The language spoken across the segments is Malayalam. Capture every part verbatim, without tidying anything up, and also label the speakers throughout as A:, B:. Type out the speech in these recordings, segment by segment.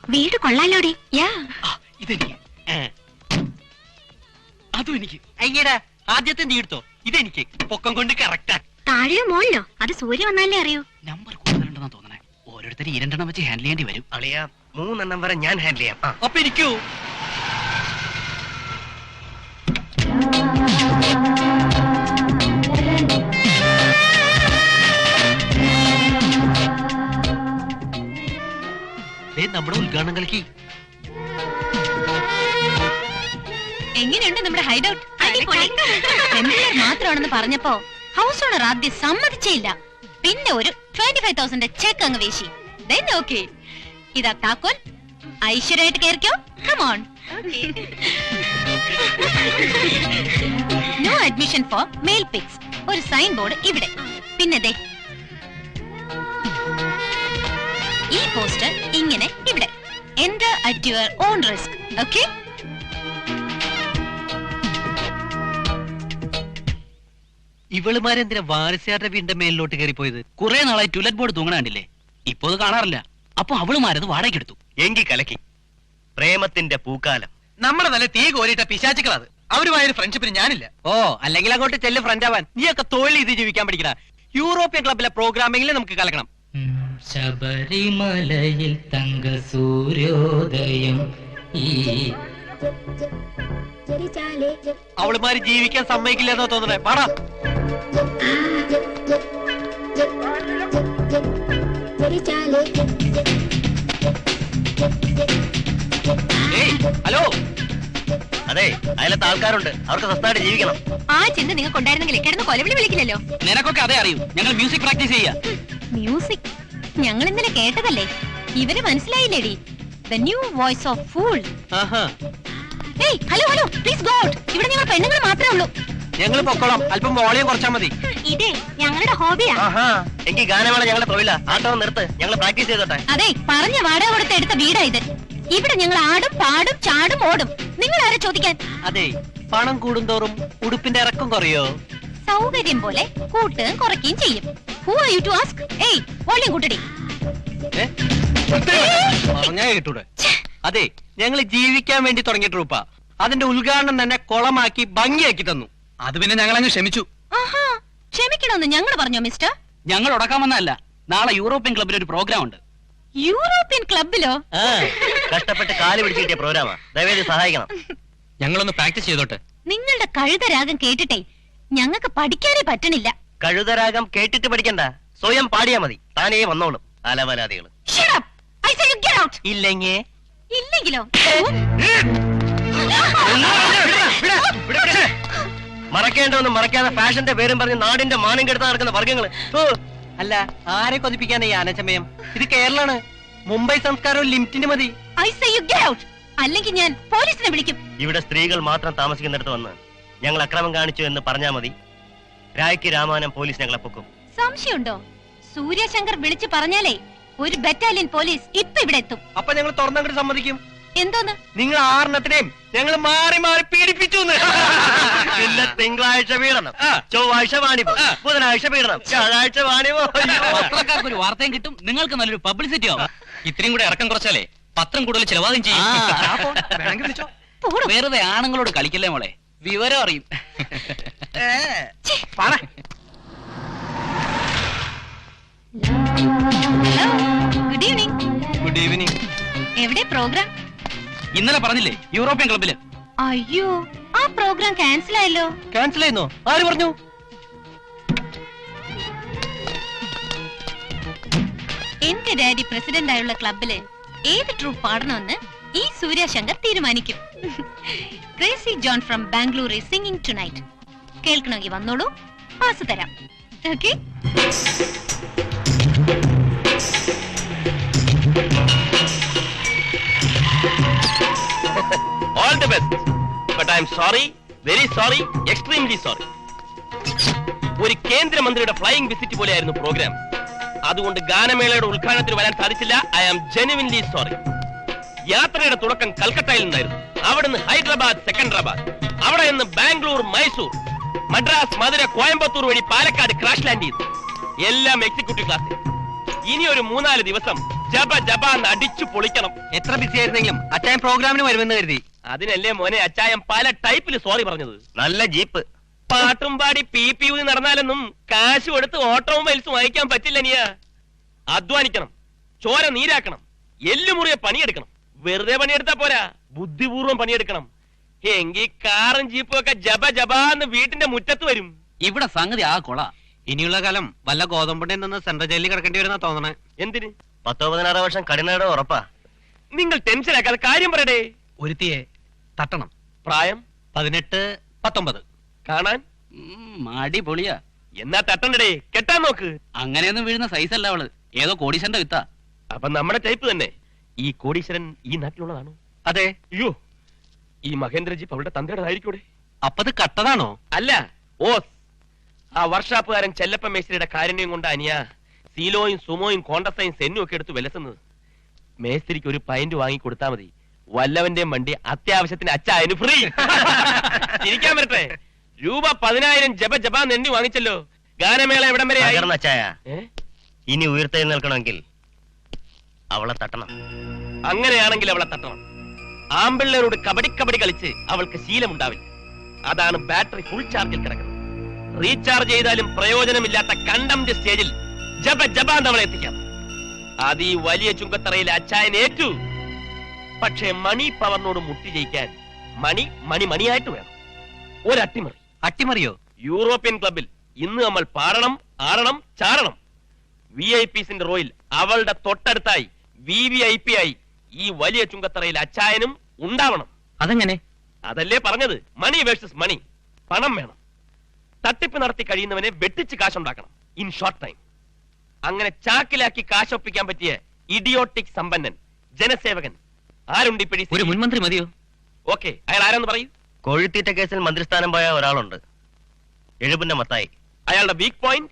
A: വീട് കൊള്ളാലോടി.
B: ഇതെനിക്ക്, അതും എനിക്ക്. അയ്യടാ, ആദ്യത്തെ നീ എടുത്തോ, ഇതെനിക്ക്. പൊക്കം കൊണ്ട് കറക്റ്റാ.
A: താഴെയോ മോളിലോ? അത് സൂര്യ വന്നാലേ അറിയൂ.
B: നമ്പർ കൂടുതലുണ്ടെന്നാ തോന്നണേ. ഓരോരുത്തർ ഈ രണ്ടെണ്ണം വെച്ച് ഹാൻഡിൽ ചെയ്യേണ്ടി വരും.
C: അളിയാ, മൂന്നെണ്ണം വരെ ഞാൻ ഹാൻഡിൽ ചെയ്യാം.
B: അപ്പൊ ഇരിക്കൂ. നമ്മുടെ ഉദ്ഘാടനം കളിക്ക്.
A: എങ്ങനെയുണ്ട് നമ്മുടെ ഹൈഡ് ഔട്ട്? മാത്രമാണെന്ന് പറഞ്ഞപ്പോ ഹൗസ് ഓണർ ആദ്യം സമ്മതിച്ചേയില്ല. പിന്നെ ഒരു ട്വന്റി ഫൈവ് തൗസൻഡ് ചെക്ക് അങ്ങ് വീശി. ഓക്കെ, ഇതാ താക്കോൽ. ഐശ്വര്യമായിട്ട് കേറിക്കോ. Come on. No admission for male pigs. ഒരു സൈൻ ബോർഡ് ഇവിടെ. പിന്നെ ദേ ഈ പോസ്റ്റർ ഇങ്ങനെ ഇവിടെ. Enter at your own risk. Okay.
B: ഇവളുമാരെന്തിനാ വാരസ്യാരുടെ വീടിന്റെ മേലിലോട്ട് കയറിപ്പോയത്? കുറെ നാളായി ടുലറ്റ് ബോർഡ് തൂങ്ങണ കണ്ടില്ലേ? ഇപ്പൊ അത് കാണാറില്ല. അപ്പൊ അവളുമാരത് വാടകയ്ക്കെടുത്തു.
C: എങ്കി കലക്കി. പ്രേമത്തിന്റെ പൂക്കാലം.
D: നമ്മുടെ നല്ല തീ കോരിട്ട പിശാചുക്കളത്. അവരുമായൊരു ഫ്രണ്ട്ഷിപ്പിന് ഞാനില്ല.
B: ഓ, അല്ലെങ്കിൽ അങ്ങോട്ട് ചെല്ല് ഫ്രണ്ട് ആവാൻ. നീയൊക്കെ തൊഴിൽ ചെയ്ത് ജീവിക്കാൻ പഠിക്കണ. യൂറോപ്യൻ ക്ലബിലെ പ്രോഗ്രാമിംഗിൽ നമുക്ക് കലക്കണം.
E: ശബരിമലയിൽ തങ്ക സൂര്യോദയം. ഈ
B: അവളുമാര് ജീവിക്കാൻ സമ്മതിക്കില്ലെന്നോ തോന്നണേ. പാടാ. ഹലോ.
C: അതെ, അതിലത്തെ ആൾക്കാരുണ്ട്. അവർക്ക് സ്വസ്ഥമായിട്ട് ജീവിക്കണം.
A: ആ ചിന്ത നിങ്ങൾക്ക് ഉണ്ടായിരുന്നെങ്കിൽ കിടന്ന് കൊലവിളി വിളിക്കില്ലല്ലോ.
B: നിനക്കൊക്കെ അതേ അറിയൂ. ഞങ്ങൾ മ്യൂസിക് പ്രാക്ടീസ് ചെയ്യാ.
A: മ്യൂസിക് ഞങ്ങൾ ഇന്നലെ കേട്ടതല്ലേ. ഇവര് മനസ്സിലായില്ലേടി? The new voice of fool. ഏയ് hello hello, please go out. ഇവിടെ ഞങ്ങൾ പെണ്ണുങ്ങൾ മാത്രമേ ഉള്ളൂ.
B: ഞങ്ങൾ പൊക്കോളാം. അല്പം വോളിയം കുറച്ചാ മതി.
A: ഇതേ ഞങ്ങളുടെ ഹോബിയാ.
C: എങ്കിൽ ഗാനമേള ഞങ്ങളുടെ തൊഴിലാ. ആട്ടം നിർത്ത്, ഞങ്ങൾ പ്രാക്ടീസ് ചെയ്തോട്ടെ.
A: അതെ, പറഞ്ഞ വാടക കൊടുത്ത് എടുത്ത വീടാ ഇത്. ഇവിടെ ഞങ്ങൾ ആടും പാടും ചാടും ഓടും. നിങ്ങൾ ആരെ ചോദിക്കാൻ?
B: അതെ, പണം കൂടുന്തോറും ഉടുപ്പിന്റെ ഇറക്കം കുറയോ?
A: സൗകര്യം പോലെ കൂട്ടുകയും കുറയ്ക്കുകയും ചെയ്യും. Who are you to ask? ഏയ് വോളിയം കൂട്ടടി.
B: പറഞ്ഞാ കേട്ടൂടെ? അതെ, ഞങ്ങൾ ജീവിക്കാൻ വേണ്ടി തുടങ്ങിയ ട്രൂപ്പാ. അതിന്റെ ഉദ്ഘാടനം തന്നെ കൊളമാക്കി ഭംഗിയാക്കി തന്നു.
D: അത് പിന്നെ ഞങ്ങൾ അങ്ങ് ക്ഷമിച്ചു.
A: ആഹാ, ക്ഷമിക്കണമെന്ന് ഞങ്ങൾ പറഞ്ഞോ മിസ്റ്റർ?
B: ഞങ്ങൾ ഉടക്കാൻ വന്നതല്ല. നാളെ യൂറോപ്യൻ ക്ലബിൽ ഒരു പ്രോഗ്രാം ഉണ്ട്.
A: യൂറോപ്യൻ ക്ലബിലോ?
C: കഷ്ടപ്പെട്ട് കാല് പിടിച്ച് കിട്ടിയ പ്രോഗ്രാമാ. ദയവേദി സഹായിക്കണം.
D: ഞങ്ങളൊന്ന് പ്രാക്ടീസ് ചെയ്തോട്ടെ.
A: നിങ്ങളുടെ കഴുതരാഗം കേട്ടിട്ടേ ഞങ്ങൾക്ക് പഠിക്കാനേ പറ്റണില്ല.
C: കഴുതരാഗം കേട്ടിട്ട് പഠിക്കണ്ട, സ്വയം പാടിയാ മതി. താനേ വന്നോളും അലവലാദികൾ.
B: ഇല്ലെങ്കിൽ
A: ഇല്ലെങ്കിലോ?
C: മറക്കേണ്ടതൊന്നും മറക്കാതെ ഫാഷന്റെ പേരും പറഞ്ഞ് നാടിന്റെ മാനം കെടുത്താൻ നടക്കുന്ന വർഗ്ഗങ്ങള്.
B: അല്ല, ആരെ കൊതിപ്പിക്കാനാ ഈ ആനച്ചമയം? ഇത് കേരളാണ്. മുംബൈ സംസ്കാരവും ലിമിറ്റിന് മതി.
A: അല്ലെങ്കിൽ ഞാൻ പോലീസിനെ വിളിക്കും.
C: ഇവിടെ സ്ത്രീകൾ മാത്രം താമസിക്കുന്നിടത്ത് വന്ന് ഞങ്ങൾ അക്രമം കാണിച്ചു എന്ന് പറഞ്ഞാൽ മതി. രായ്ക്ക് രാമാനം പോലീസ് ഞങ്ങളെ പൊക്കും.
A: സംശയമുണ്ടോ? സൂര്യശങ്കർ വിളിച്ചു പറഞ്ഞാലേ ഒരു ബറ്റാലിയൻ പോലീസ് ഇപ്പൊ ഇവിടെ എത്തും.
B: അപ്പൊ ഞങ്ങൾ തുറന്നങ്ങോട്ട് സമ്മതിക്കും.
A: എന്തോന്ന്?
B: നിങ്ങൾ ആറിനത്തിനെയും ഞങ്ങൾ മാറി മാറി പീഡിപ്പിച്ചു.
C: പിന്നെ തിങ്കളാഴ്ച പീഡനം, ചൊവ്വാഴ്ച വാണിപോ, ബുധനാഴ്ച പീഡനം, വ്യാഴാഴ്ച വാണിപോ.
B: പത്രക്കാർക്ക് ഒരു വാർത്തയും കിട്ടും, നിങ്ങൾക്ക് നല്ലൊരു പബ്ലിസിറ്റി ആവും.
D: ഇത്രയും കൂടെ ഇറക്കം കുറച്ചാലേ പത്രം കൂടുതൽ ചിലവാകും ചെയ്യും.
B: വെറുതെ ആണുങ്ങളോട് കളിക്കല്ലേ മോളെ, വിവരം അറിയും.
A: Good evening.
B: Good evening.
A: എവിടെ പ്രോഗ്രാം?
B: ഇന്നലെ പറഞ്ഞില്ലേ യൂറോപ്യൻ ക്ലബില്.
A: അയ്യോ, ആ പ്രോഗ്രാം ക്യാൻസൽ ആയല്ലോ.
B: ക്യാൻസൽ ആയിരുന്നോ? ആര് പറഞ്ഞു?
A: എന്റെ ഡാഡി പ്രസിഡന്റ് ആയുള്ള ക്ലബില് ഏത് ട്രൂപ്പ് പാടണമെന്ന് ഈ സൂര്യശങ്കർ തീരുമാനിക്കും. Crazy John from Bangalore is singing tonight. കേൾക്കണമെങ്കിൽ വന്നോളൂ, പാസ് തരാം. Okay?
C: All the best. But I am sorry, very sorry, extremely sorry. ഒരു കേന്ദ്രമന്ത്രിയുടെ ഫ്ലൈയിങ് വിസിറ്റ് പോലെയായിരുന്നു പ്രോഗ്രാം. അതുകൊണ്ട് ഗാനമേളയുടെ ഉദ്ഘാടനത്തിന് വരാൻ സാധിച്ചില്ല. I am genuinely sorry. യാത്രയുടെ തുടക്കം കൽക്കട്ടയിൽ നിന്നായിരുന്നു. അവിടുന്ന് ഹൈദരാബാദ്, സെക്കൻഡറാബാദ്, അവിടെ നിന്ന് ബാംഗ്ലൂർ, മൈസൂർ, മദ്രാസ്, മധുര, കോയമ്പത്തൂർ വഴി പാലക്കാട് ക്രാഷ് ലാൻഡ് ചെയ്തു. എല്ലാം എക്സിക്യൂട്ടീവ് ക്ലാസ്സിൽ. ഇനി ഒരു മൂന്നാല് ദിവസം ജപ ജപ അടിച്ചു പൊളിക്കണം.
B: എത്ര ബിസി ആയിരുന്നെങ്കിലും അച്ചായൻ പ്രോഗ്രാമിന് വരുമെന്ന് കരുതി.
C: അതിനല്ലേ മോനെ അച്ചായൻ പല ടൈപ്പിൽ സോറി പറഞ്ഞത്.
F: നല്ല ജീപ്പ്.
C: പാട്ടും പാടി പി പി ഊതി നടന്നാലൊന്നും കാശ് കൊടുത്ത് ഓട്ടോമൊബൈൽസ് വാങ്ങിക്കാൻ പറ്റില്ല. നീയ അധ്വാനിക്കണം, ചോര നീരാക്കണം, എല്ലുമുറിയെ പണിയെടുക്കണം. വെറുതെ പണിയെടുത്താ പോരാ, ബുദ്ധിപൂർവ്വം പണിയെടുക്കണം. എങ്കിൽ കാറും ജീപ്പും ഒക്കെ ജപ ജപാന്ന് വീട്ടിന്റെ മുറ്റത്ത് വരും.
D: ഇവിടെ സംഗതി ആ കൊള.
B: ഇനിയുള്ള കാലം വല്ല ഗോതമ്പുണ്ടിൽ നിന്ന് സെൻട്രൽ ജയിലിൽ കിടക്കേണ്ടി വരുന്ന തോന്നണേ.
C: എന്തിന്?
F: പത്തോ പതിനാറ് വർഷം കഠിനയുടെ ഉറപ്പാ.
C: നിങ്ങൾ ടെൻഷൻ ആക്കാതെ കാര്യം പറയടേ.
D: ഒരുത്തിയെ തട്ടണം.
C: പ്രായം
B: പതിനെട്ട് പത്തൊമ്പത്.
C: കാണാൻ
E: മാടി പൊളിയാ.
C: എന്നാ തട്ടണ്ടേ, കെട്ടാൻ നോക്ക്.
E: അങ്ങനെയൊന്നും വീഴുന്ന സൈസ് അല്ല അവള്, ഏതോ കോടീശന്റെ വിത്താ.
C: അപ്പൊ നമ്മുടെ ടൈപ്പ് തന്നെ. ഈ കോടീശ്വരൻ ഈ നാട്ടിലുള്ളതാണോ?
B: അതെ.
C: അയ്യോ, ഈ മഹേന്ദ്രജീപ്പ് അവളുടെ തന്തയുടേതായിരിക്കൂടെ?
B: അപ്പത് കട്ടതാണോ?
C: അല്ല, ഓസ്. ആ വർഷാപ്പുകാരൻ ചെല്ലപ്പ മേസ്ത്രിയുടെ കാരുണ്യം കൊണ്ട് അനിയ സീലോയും സുമോയും കോണ്ടസയും സെന്നും ഒക്കെ എടുത്ത് വിലസുന്നത്. മേസ്ത്രിക്ക് ഒരു പൈന്റ് വാങ്ങി കൊടുത്താ മതി, വല്ലവന്റെയും വണ്ടി അത്യാവശ്യത്തിന് അച്ചായന് ഫ്രീ. ചിരിക്കാൻ വരട്ടെ. രൂപ പതിനായിരം ജപ ജപാ നെണ്ണി വാങ്ങിച്ചല്ലോ. ഗാനമേള എവിടം വരെ ആയി?
F: അച്ചായ, ഇനി ഉയർത്തെഴുന്നേൽക്കണമെങ്കിൽ അവളെ തട്ടണം.
C: അങ്ങനെയാണെങ്കിൽ അവളെ തട്ടണം. ആമ്പിള്ളേരോട് കബഡി കബഡി കളിച്ച് അവൾക്ക് ശീലമുണ്ടാവില്ല. അതാണ് ബാറ്ററി ഫുൾ ചാർജിൽ കിടക്കുന്നത്. റീചാർജ് ചെയ്താലും പ്രയോജനമില്ലാത്ത കണ്ടംപ്റ്റ് സ്റ്റേജിൽ ജപ ജപാന്ത് അവളെ എത്തിക്കാം. അത് ഈ വലിയ ചുങ്കത്തറയിൽ അച്ചായൻ ഏറ്റു. പക്ഷേ മണി പവറിനോട് മുട്ടി ജയിക്കാൻ മണി മണി മണിയായിട്ട് വേണം. ഒരു അട്ടിമറി.
B: അട്ടിമറിയോ?
C: യൂറോപ്യൻ ക്ലബിൽ ഇന്ന് നമ്മൾ പാടണം, ആടണം, ചാടണം. വി ഐ പിസിന്റെ റോയിൽ അവളുടെ തൊട്ടടുത്തായി വി വി ഐ പി ആയി ഈ വലിയ ചുങ്കത്തറയിൽ അച്ചായനും ഉണ്ടാവണം.
B: അതെങ്ങനെ?
C: അതല്ലേ പറഞ്ഞത്, മണി വേഴ്സസ് മണി. പണം വേണം. തട്ടിപ്പ് നടത്തി കഴിയുന്നവനെ വെട്ടിച്ച് കാശുണ്ടാക്കണം ഇൻ ഷോർട്ട് ടൈം. അങ്ങനെ ചാക്കിലാക്കി കാശൊപ്പിക്കാൻ പറ്റിയ ഇഡിയോട്ടിക് സമ്പന്നൻ, ജനസേവകൻ ആരുണ്ട് ഇപ്പഴി?
B: ഒരു മുൻമന്ത്രി മതിയോ?
C: ഓക്കെ, അയാൾ ആരാന്ന് പറയൂ.
F: കോഴിത്തീറ്റ കേസിൽ മന്ത്രിസ്ഥാനം പോയ ഒരാളുണ്ട്, എഴുപുന്ന മത്തായി.
C: അയാളുടെ weak point?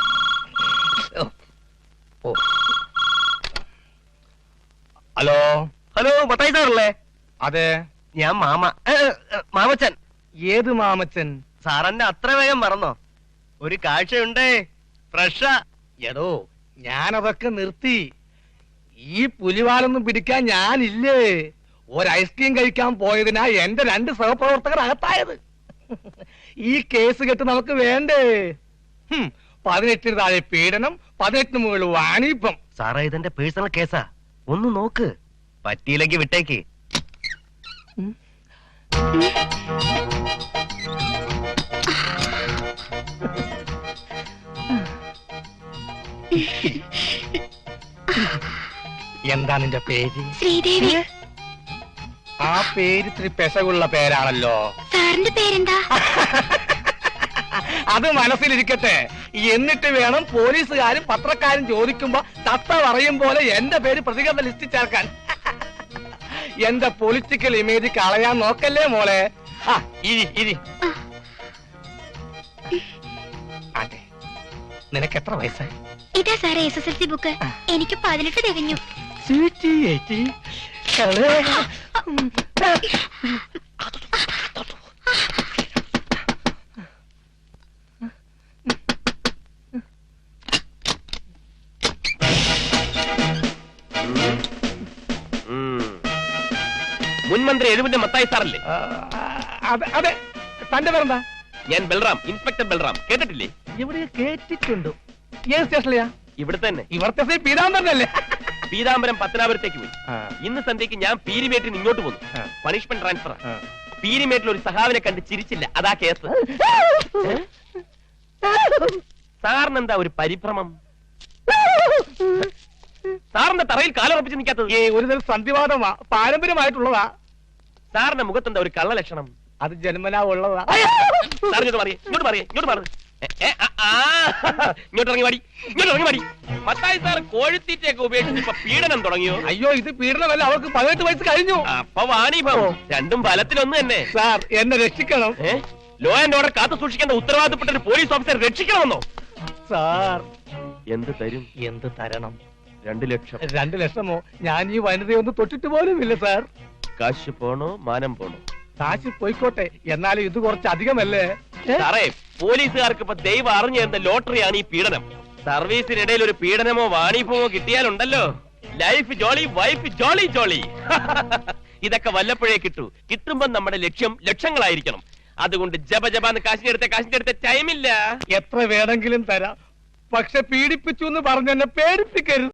F: Hello hello, Mathai സാറല്ലേ?
D: അതെ.
F: ഞാൻ മാമ ഏ, ഏ, മാമച്ചൻ.
D: ഏത് മാമച്ചൻ?
F: സാറന്നെ അത്ര വേഗം മറന്നോ? ഒരു കാഴ്ചയുണ്ടേ, ഫ്രഷാ.
D: എടോ, ഞാനതൊക്കെ നിർത്തി. ഈ പുലിവാലൊന്നും പിടിക്കാൻ ഞാനില്ലേ. ഒരു ഐസ്ക്രീം കഴിക്കാൻ പോയതിനാ എന്റെ രണ്ട് സഹപ്രവർത്തകർ അകത്തായത്. ഈ കേസ് കെട്ട് നമുക്ക് വേണ്ടേ? ഹും, പതിനെട്ടിന് താഴെ പീഡനം, പതിനെട്ടിന് മുകളിൽ വാണിപ്പം.
F: സാറേ, ഇതെന്റെ പേഴ്സണൽ കേസാ, ഒന്ന് നോക്ക്. പറ്റിയില്ലെങ്കിൽ വിട്ടേക്ക്.
D: എന്താ നിന്റെ പേര്?
A: ശ്രീദേവി.
D: ആ പേര് ഇത്തിരി പെശകുള്ള പേരാണല്ലോ.
A: സാറിന്റെ പേരെന്താ?
D: അത് മനസ്സിലിരിക്കട്ടെ. എന്നിട്ട് വേണം പോലീസുകാരും പത്രക്കാരും ചോദിക്കുമ്പോ തത്ത പറയും പോലെ എന്റെ പേര് പ്രതികരണ ലിസ്റ്റിൽ ചേർക്കാൻ. എന്റെ പൊളിറ്റിക്കൽ ഇമേജ് കളയാൻ നോക്കല്ലേ മോളെ. ആ, ഇരി ഇരി. അതെ, നിനക്ക് എത്ര വയസ്സായി?
A: ഇതാ സാറേ S S L C book. എനിക്ക് പതിനെട്ട് തികഞ്ഞു.
C: മുൻമന്ത്രി എഴുപന്റെ മത്തായി സാറല്ലേ?
D: അതെ. തന്റെ പേരെന്താ?
C: ഞാൻ ബൽറാം, ഇൻസ്പെക്ടർ ബൽറാം. കേട്ടിട്ടില്ലേ?
D: ഇവിടെ കേട്ടിട്ടുണ്ട്. ഏത് സ്റ്റേഷനിലെയാ?
C: ഇവിടെ തന്നെ.
D: ഇവിടുത്തെ പീതാംബരനല്ലേ?
C: പീതാംബരം പത്തനാപുരത്തേക്ക് പോയി. ഇന്ന് സന്ധ്യക്ക് ഞാൻ പീരിമേട്ടിൽ നിന്ന് ഇങ്ങോട്ട് പോന്നു. Punishment transfer. പീരിമേട്ടിൽ ഒരു സഹാവിനെ കണ്ട് ചിരിച്ചില്ല, അതാ കേസ്. സാറിനെന്താ ഒരു പരിഭ്രമം? സാറിന്റെ തറയിൽ കാലുറപ്പിച്ച് നിൽക്കാത്തത്?
D: ഏ, ഒരു തരം സന്ധിവാദമാ, പാരമ്പര്യമായിട്ടുള്ളതാ.
C: സാറിന്റെ മുഖത്തെന്താ ഒരു കള്ള ലക്ഷണം?
D: അത് ജന്മനാ ഉള്ളതാ.
C: സാർ ഇങ്ങോട്ട് പറയേ, ഇങ്ങോട്ട് പറയേ, ഇങ്ങോട്ട് മാറും. ഇങ്ങോട്ട് ഇറങ്ങി മാടി, ഇങ്ങോട്ട് ഇറങ്ങി മാടി. മത്തായി സാർ കോഴിത്തീറ്റയൊക്കെ ഉപയോഗിച്ച് ഇപ്പൊ പീഡനം തുടങ്ങിയോ?
D: അയ്യോ, ഇത് പീഡനമല്ല, അവർക്ക് പതിനെട്ട് വയസ്സ് കഴിഞ്ഞു.
C: അപ്പൊ വാണിഭം രണ്ടും ഫലത്തിലൊന്നു തന്നെ.
D: സാർ, എന്നെ രക്ഷിക്കണം.
C: ലോ ആൻഡ് ഓർഡർ കാത്തു സൂക്ഷിക്കേണ്ട ഉത്തരവാദിത്തപ്പെട്ട ഒരു പോലീസ് ഓഫീസർ രക്ഷിക്കണമെന്നോ?
D: സാർ,
C: എന്ത് തരും?
D: എന്ത് തരണം?
C: രണ്ടു ലക്ഷം.
D: രണ്ടു ലക്ഷമോ? ഞാൻ ഈ വനിതയൊന്നും തൊട്ടിട്ട് പോലും ഇല്ല സാർ.
C: കാശ് പോണോ മാനം പോണോ?
D: കാശ് പോയിക്കോട്ടെ, എന്നാലും ഇത് കുറച്ച് അധികമല്ലേ
C: സാറേ? പോലീസുകാർക്ക് ഇപ്പൊ ദൈവം അറിഞ്ഞു തരുന്ന ലോട്ടറിയാണ് ഈ പീഡനം. സർവീസിനിടയിൽ ഒരു പീഡനമോ വാണിഭമോ കിട്ടിയാലുണ്ടല്ലോ, life jolly wife jolly jolly. ഇതൊക്കെ വല്ലപ്പോഴേ കിട്ടൂ. കിട്ടുമ്പോ നമ്മുടെ ലക്ഷ്യം ലക്ഷങ്ങളായിരിക്കണം. അതുകൊണ്ട് ജപ ജപാന്ന് കാശിന്റെ അടുത്ത കാശിന്റെ അടുത്ത ടൈമില്ല.
D: എത്ര വേണമെങ്കിലും തരാം, പക്ഷെ പീഡിപ്പിച്ചു എന്ന് പറഞ്ഞെന്നെ പേടിപ്പിക്കരുത്.